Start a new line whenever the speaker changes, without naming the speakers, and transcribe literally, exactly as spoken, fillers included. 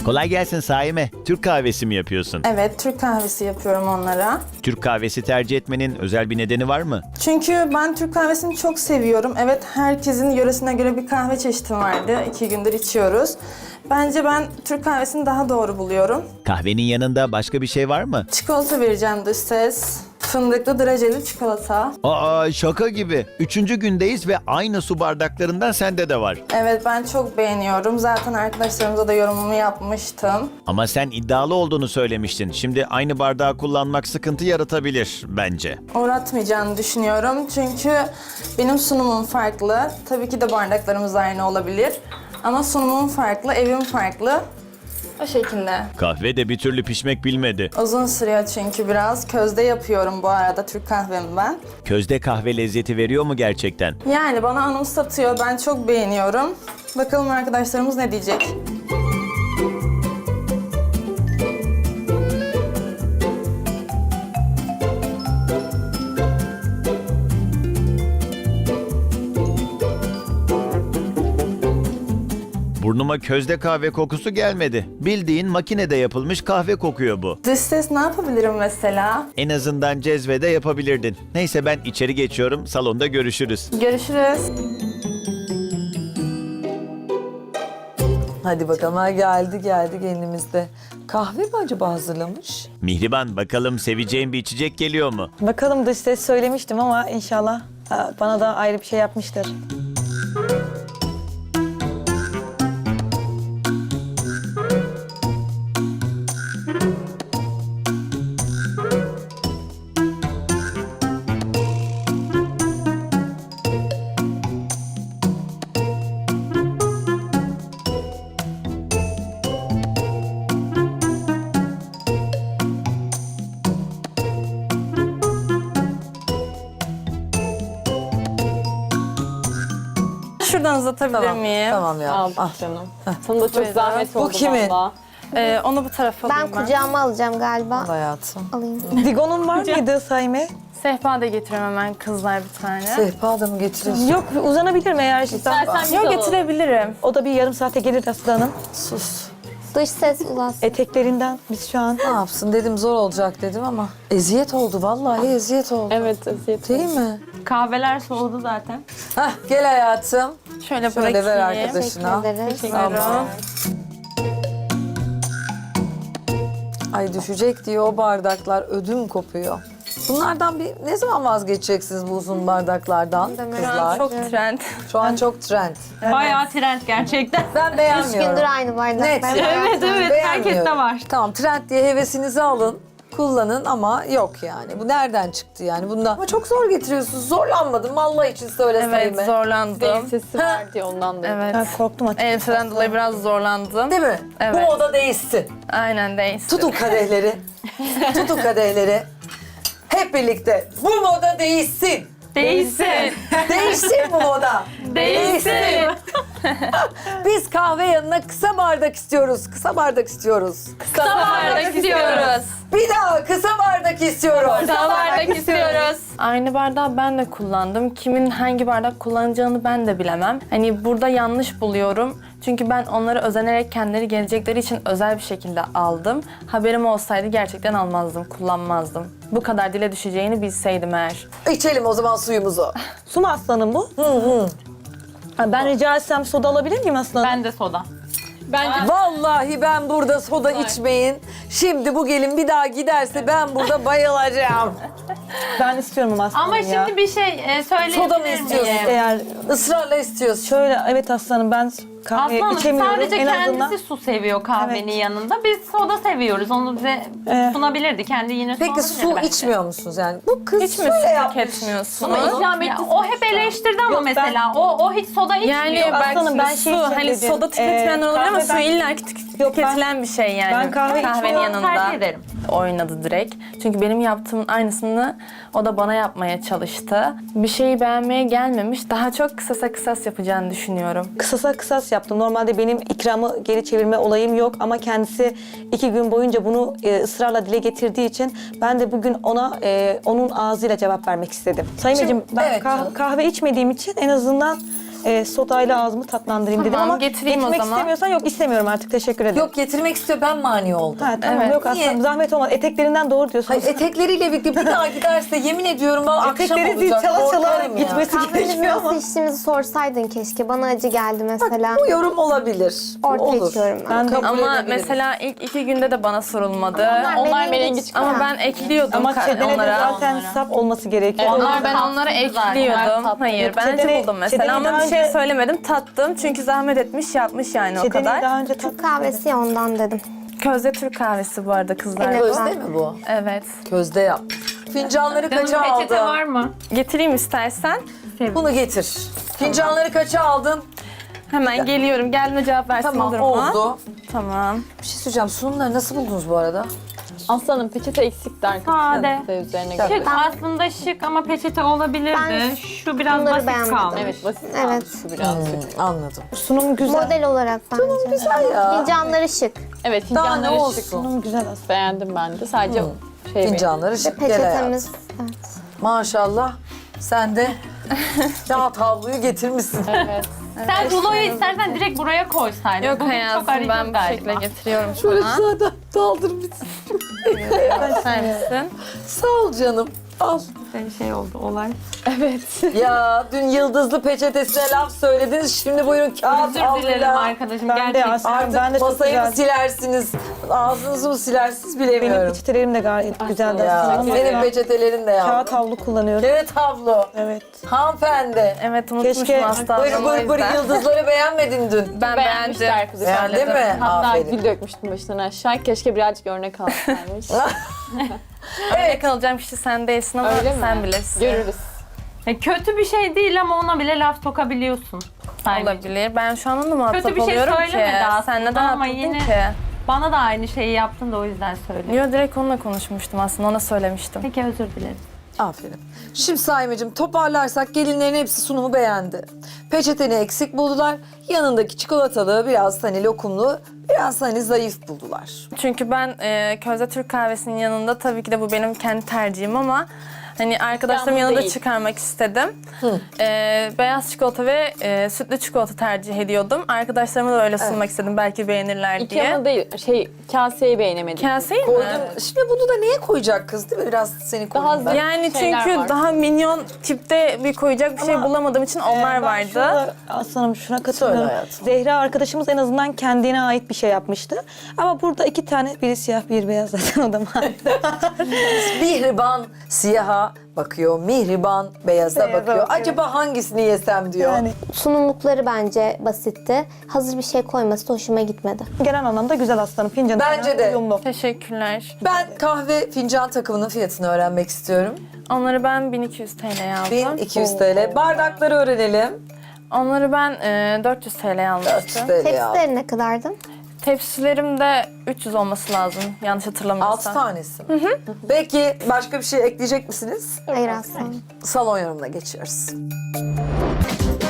Kolay gelsin Saime. Türk kahvesi mi yapıyorsun?
Evet, Türk kahvesi yapıyorum onlara.
Türk kahvesi tercih etmenin özel bir nedeni var mı?
Çünkü ben Türk kahvesini çok seviyorum. Evet, herkesin yöresine göre bir kahve çeşidi vardı. İki gündür içiyoruz. Bence ben Türk kahvesini daha doğru buluyorum.
Kahvenin yanında başka bir şey var mı?
Çikolata vereceğim dış ses. Fındıklı dereceli çikolata.
Aa, şaka gibi. Üçüncü gündeyiz ve aynı su bardaklarından sende de var.
Evet, ben çok beğeniyorum. Zaten arkadaşlarımıza da yorumumu yapmıştım.
Ama sen iddialı olduğunu söylemiştin. Şimdi aynı bardağı kullanmak sıkıntı yaratabilir bence.
Uğratmayacağını düşünüyorum. Çünkü benim sunumum farklı. Tabii ki de bardaklarımız aynı olabilir. Ama sunumum farklı, evim farklı. O şekilde.
Kahve de bir türlü pişmek bilmedi.
Uzun sürüyor çünkü biraz. Közde yapıyorum bu arada Türk kahvemi ben.
Közde kahve lezzeti veriyor mu gerçekten?
Yani bana anımsatıyor. Ben çok beğeniyorum. Bakalım arkadaşlarımız ne diyecek?
Burnuma közde kahve kokusu gelmedi. Bildiğin makinede yapılmış kahve kokuyor bu.
Dış ses ne yapabilirim mesela?
En azından cezvede yapabilirdin. Neyse ben içeri geçiyorum. Salonda görüşürüz.
Görüşürüz.
Hadi bakalım, ha geldi geldi gelinimizde. Kahve mi acaba hazırlamış?
Mihriban bakalım seveceğin bir içecek geliyor mu?
Bakalım dış ses söylemiştim ama inşallah ha, bana da ayrı bir şey yapmıştır.
Şuradan uzatabilir
Tamam,
miyim?
tamam ya.
Al
Ah.
canım. Sana da çok
Buyurun.
zahmet
Bu
oldu
kimin?
valla.
Ee, onu bu tarafa
Ben
alayım ben.
kucağıma alacağım galiba.
Hayatım.
Alayım.
Digon'un var mıydı Saime?
Sehpa da getireyim hemen kızlar bir tane.
Sehpa da mı getiriyorsun?
Yok, uzanabilirim eğer istersen.
İstersen biz
Yok,
alalım.
getirebilirim.
O da bir yarım saate gelir aslanım.
Sus.
Dış ses ulas.
Eteklerinden biz şu an.
Ne yapsın dedim, zor olacak dedim ama eziyet oldu, vallahi eziyet oldu.
Evet, eziyet.
Değil mi?
Kahveler soğudu zaten.
Hah, gel hayatım.
Şöyle,
Şöyle ver
bırakayım.
arkadaşına.
Teşekkür ederiz.
Tamam. Ay düşecek diye o bardaklar ödüm kopuyor. Bunlardan bir ne zaman vazgeçeceksiniz bu uzun bardaklardan
Demek.
kızlar?
Çok trend.
Şu an çok trend.
Bayağı trend gerçekten.
Ben
Üç
beğenmiyorum.
gündür aynı bardak.
Net.
Ben
Evet,
hayatımda-
evet.
Beğenmiyorum.
herkeste var.
Tamam, trend diye hevesinizi alın. Kullanın ama yok yani. Bu nereden çıktı yani? Bundan ama çok zor getiriyorsunuz. Zorlanmadım Allah için söyleseyim.
Evet, zorlandım.
Sesi var diye ondan da.
Evet.
Ben korktum açıkçası.
Elbiseden dolayı biraz zorlandım.
Değil mi?
Evet.
Bu moda değişsin.
Aynen değilsin.
Tutun kadehleri. Tutun kadehleri. Hep birlikte. Bu moda değişsin.
Değilsin.
Değişsin bu moda.
Değilsin.
Biz kahve yanına kısa bardak istiyoruz. Kısa bardak istiyoruz.
Kısa bardak istiyoruz.
Bir daha kısa bardak istiyoruz.
Kısa bardak istiyoruz.
Aynı bardağı ben de kullandım. Kimin hangi bardak kullanacağını ben de bilemem. Hani burada yanlış buluyorum. Çünkü ben onları özenerek kendileri gelecekleri için özel bir şekilde aldım. Haberim olsaydı gerçekten almazdım, kullanmazdım. Bu kadar dile düşeceğini bilseydim eğer.
İçelim o zaman suyumuzu.
Su mu aslanım bu? Hı hı. Ben rica etsem soda alabilir miyim aslanım?
Ben de soda. Bence
Vallahi ben burada soda içmeyin. Şimdi bu gelin bir daha giderse ben burada bayılacağım.
Ben istiyorum ama aslanım
ama
ya.
şimdi bir şey e, söyleyebilir
Soda mı
miyim?
istiyorsun?
Eğer
Israrla istiyorsun.
şöyle, evet aslanım ben kahve
Aslanım
içemiyorum
sadece
en
kendisi
azından.
su seviyor kahvenin
Evet.
yanında. Biz soda seviyoruz. Onu bize
Ee,
sunabilirdi. Kendi yine
Peki
sunabilirdi
su
bence.
içmiyor musunuz yani? Bu kız
Hiç mi
şöyle
siz
yapmış.
tüketmiyorsunuz?
Ama ikram etti. O hep eleştirdi ama
Yok, ben-
mesela. O o hiç soda içmiyor.
Yani belki
Aslanım, ben
ben
şey
su,
için
hani
dedim.
soda tüketmeyenler
Ee,
olabilir ama
kahve
su
ben-
illa ki tük-
Yok, ben-
tüketilen bir şey yani.
ben kahve
kahvenin
içmiyorum,
yanında.
tercih ederim.
Oynadı direkt. Çünkü benim yaptığımın aynısını o da bana yapmaya çalıştı. Bir şeyi beğenmeye gelmemiş. Daha çok kısasa kısas yapacağını düşünüyorum.
Kısasa kısas yaptım. Normalde benim ikramı geri çevirme olayım yok ama kendisi iki gün boyunca bunu e, ısrarla dile getirdiği için ben de bugün ona e, onun ağzıyla cevap vermek istedim. Sayın
Şimdi-
Beyciğim, ben
evet
kah-
canım.
kahve içmediğim için en azından e, sodayla ağzımı tatlandırayım dedim
Tamam,
ama
getireyim o
getirmek
zaman.
istemiyorsan yok istemiyorum artık teşekkür ederim.
Yok getirmek istiyor ben mani oldum.
Ha, tamam
Evet.
yok
Niye?
aslında zahmet olmaz. Eteklerinden doğru diyorsunuz.
Hayır, etekleriyle birlikte bir daha giderse yemin ediyorum ben akşam
Etekleri zil
olacak.
çala çala
korkarım ya.
gitmesi
Kahvemizi
gerekiyor ama.
nasıl içtiğimizi sorsaydın keşke. Bana acı geldi mesela.
Bu yorum olabilir.
Ortaya
Olur.
içiyorum ben.
Ben de-
Kabul
Ama
edebiliriz.
mesela ilk iki günde de bana sorulmadı.
Onlar
merengi
çıkıyor.
Ama ben ekliyordum
Ama
ka-
çedene de
onlara.
zaten sap olması gerekiyor.
Onlar ben onlara ekliyordum.
tatlı.
Hayır ben acı
Çedeni-
buldum mesela
çedeni
ama
daha
bir şey
önce-
söylemedim. Tattım çünkü zahmet etmiş yapmış yani o
Çedeneyi
kadar.
daha önce tat.
Türk kahvesi ya ondan dedim.
Közde Türk kahvesi bu arada kızlar.
Evet.
Közde mi bu?
Evet.
Közde yap. Fincanları
Canım
kaça
peçete
aldın?
var mı?
Getireyim istersen.
Bunu getir. Fincanları kaça aldın?
Hemen geliyorum. Geldiğinde cevap versin
Tamam
olur mu?
oldu.
Tamam.
Bir şey söyleyeceğim. Sunumları nasıl buldunuz bu arada?
Aslanım peçete eksikti arkadaşlar.
Sade.
Size üzerine
Tabii.
göre.
Şık aslında şık ama peçete olabilirdi.
Ben
Şu biraz
bunları
basit
beğenmedim.
kalmış.
Evet basit
Evet.
kalmış şu birazcık.
Hmm, anladım.
Sunum güzel.
Model olarak bence.
Güzel ya.
Fincanları şık.
Evet
Daha ne
fincanları şık.
olsun?
Sunum güzel aslında.
Beğendim ben de. Sadece şey
Fincanları
Ve
şık gel hayatım.
peçetemiz. Evet.
Maşallah. Sen de kağıt havluyu getirmişsin.
Evet.
Sen ruloyu istersen direkt buraya koysaydın.
Yok
Bugün
hayatım
çok arayacağız
ben bu
galiba.
şekilde getiriyorum
Şöyle
sana.
zaten daldır bitsin.
İster misin?
Sağ ol canım. Al.
Bir şey oldu olay.
Ya dün yıldızlı peçetesine laf söylediniz. Şimdi buyurun kağıt
Özür dilerim
havluyla.
arkadaşım.
Ben de
Gerçekten.
aslında
Artık
ben de çok
masayı mı
güzel.
silersiniz, ağzınızı mı silersiniz
Benim
bilemiyorum.
peçetelerim de gayet güzeldi
Ya,
aslında ama
senin peçetelerin de
kağıt
ya.
havlu kullanıyorum.
Evet havlu.
Evet.
Hanımefendi.
Evet unutmuşum
Keşke-
aslında.
Buyur buyur buyur yıldızları beğenmedin dün.
Ben
Beğenmişti
beğendim.
arkadaşlar.
Beğendi mi?
Hatta
Aferin.
gül dökmüştüm başından aşağı. Keşke birazcık örnek alsaymış.
Evet. Kalacağım kişi sen değilsin ama
Öyle mi?
sen bilirsin.
Görürüz.
Ya kötü bir şey değil ama ona bile laf sokabiliyorsun. Saygıcığım.
Olabilir. Ben şu an onunla muhatap
Kötü bir şey
oluyorum ki.
söylemedi aslında
Sen neden
ama
atladın
yine-
ki?
Bana da aynı şeyi yaptın da o yüzden söylüyorum.
Yo direkt onunla konuşmuştum aslında ona söylemiştim.
Peki özür dilerim.
Aferin. Şimdi Saimeciğim toparlarsak gelinlerin hepsi sunumu beğendi. Peçeteni eksik buldular. Yanındaki çikolatalı biraz hani lokumlu biraz hani zayıf buldular.
Çünkü ben e, közde Türk kahvesinin yanında tabii ki de bu benim kendi tercihim ama hani arkadaşlarım
Yalnız
yanında
değil.
çıkarmak istedim. E, beyaz çikolata ve e, sütlü çikolata tercih ediyordum. Arkadaşlarıma da öyle sunmak istedim belki beğenirler diye.
İkramı değil, şey kaseyi beğenemedim.
Kaseyi mi?
Koydum. Şimdi bunu da niye koyacak kız değil mi? Biraz seni
Daha
koyayım ben.
Yani
şeyler
çünkü
var.
daha minyon tipte bir koyacak bir şey bulamadığım için onlar
Ben
vardı.
şuna- Aslanım şuna
Söyle
katılıyorum.
hayatım.
Zehra arkadaşımız en azından kendine ait bir şey yapmıştı. Ama burada iki tane, biri siyah, biri beyaz zaten o da mavi.
Mihriban siyaha bakıyor, mihriban beyaza
Beyaza
bakıyor.
bakıyor.
Acaba hangisini yesem diyor.
Yani
Sunumlukları bence basitti. Hazır bir şey koyması da hoşuma gitmedi.
genel anlamda güzel aslanım. Fincanı
Bence
falan
de.
uyumlu.
Teşekkürler.
Ben kahve fincan takımının fiyatını öğrenmek istiyorum.
Onları ben bin iki yüz T L'ye aldım.
bin iki yüz TL. Bardakları öğrenelim.
Onları ben e, dört yüz T L'ye
dört yüz
almıştım.
TL aldım.
Tepsileri ne kadardı?
Tepsilerim de üç yüz olması lazım yanlış hatırlamıyorsam.
altı tanesi. Peki başka bir şey ekleyecek misiniz?
Hayır aslında.
Salon yorumuna geçiyoruz.